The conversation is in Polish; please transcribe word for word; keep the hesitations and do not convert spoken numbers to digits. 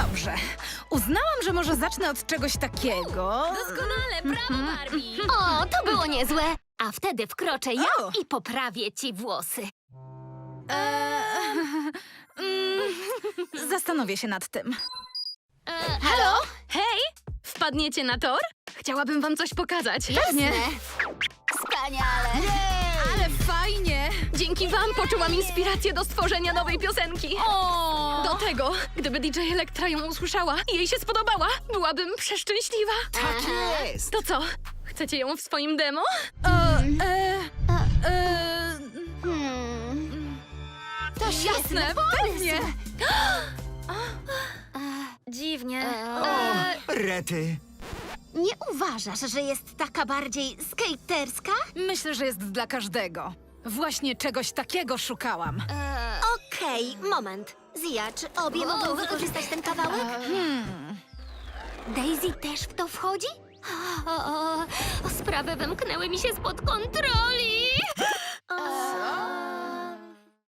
Dobrze. Uznałam, że może zacznę od czegoś takiego. Doskonale, brawo, Barbie! O, to było niezłe. A wtedy wkroczę ja O. i poprawię ci włosy. Eee, mm, zastanowię się nad tym. E, Halo? Hej! Wpadniecie na tor? Chciałabym wam coś pokazać. Pewnie. Wspaniale. Ale fajnie. Dzięki wam poczułam inspirację do stworzenia nowej piosenki. O! Do tego, gdyby D J Elektra ją usłyszała i jej się spodobała, byłabym przeszczęśliwa. Tak jest! To co? Chcecie ją w swoim demo? E, e, e, Hmm. To jasne, pewnie. Dziwnie. E, O, rety! Nie uważasz, że jest taka bardziej skaterska? Myślę, że jest dla każdego. Właśnie czegoś takiego szukałam. E, Okej, moment. Zia, czy obie mogą wykorzystać ten kawałek? Daisy też w to wchodzi? O, o, o, sprawy wymknęły mi się spod kontroli.